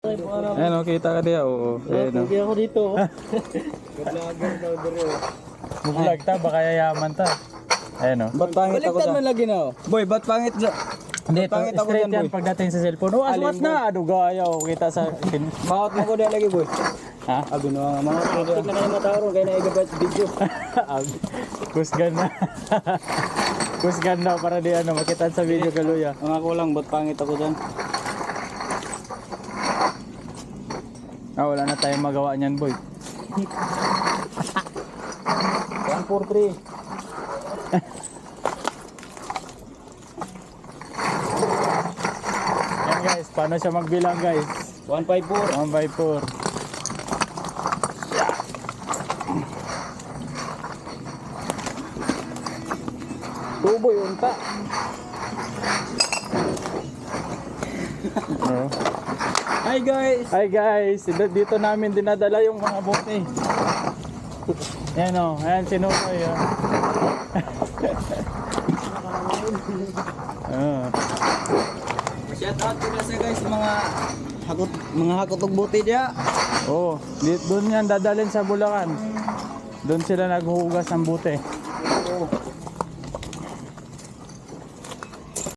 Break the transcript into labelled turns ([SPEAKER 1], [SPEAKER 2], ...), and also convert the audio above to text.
[SPEAKER 1] Ayan o, kita ka diya. Oo, ayan o.
[SPEAKER 2] Hindi ako dito.
[SPEAKER 1] Vlog ta, baka yayaman ta. Ayan o.
[SPEAKER 2] Ba't pangit ako
[SPEAKER 3] Baliktad
[SPEAKER 2] sa...
[SPEAKER 3] man lagi na oh.
[SPEAKER 2] Boy, ba't pangit sa...
[SPEAKER 1] Hindi,
[SPEAKER 2] Pangit ako
[SPEAKER 1] straight
[SPEAKER 2] dyan,
[SPEAKER 1] yan
[SPEAKER 2] boy.
[SPEAKER 1] pagdating sa cellphone. Oh, aswas
[SPEAKER 2] Alin,
[SPEAKER 1] na. Ano gaya o, kita sa...
[SPEAKER 2] Bakit mo ko dyan lagi, boy?
[SPEAKER 1] Ha?
[SPEAKER 2] Abi na nga mga ko dyan.
[SPEAKER 3] Tignan na yung mata ko kaya na-igabat video.
[SPEAKER 1] Kusgan na. Kusgan na para di ano, makita sa video kaluya.
[SPEAKER 2] Ang ako lang, ba't pangit ako dyan?
[SPEAKER 1] Ah, wala na tayong magawa niyan, boy.
[SPEAKER 2] 143.
[SPEAKER 1] Yan guys, paano siya magbilang guys?
[SPEAKER 2] 154.
[SPEAKER 1] 1 by 4.
[SPEAKER 2] Tuboy, unta.
[SPEAKER 1] Oh.
[SPEAKER 2] Hi guys!
[SPEAKER 1] Hi guys, dito namin dinadala yung mga bote. Yan o, ayan si Nunoy.
[SPEAKER 2] Shout out ko na sa guys, mga hakot og buti diya.
[SPEAKER 1] Oh, doon yan dadalhin sa Bulacan. Doon sila naghuhugas ng bote.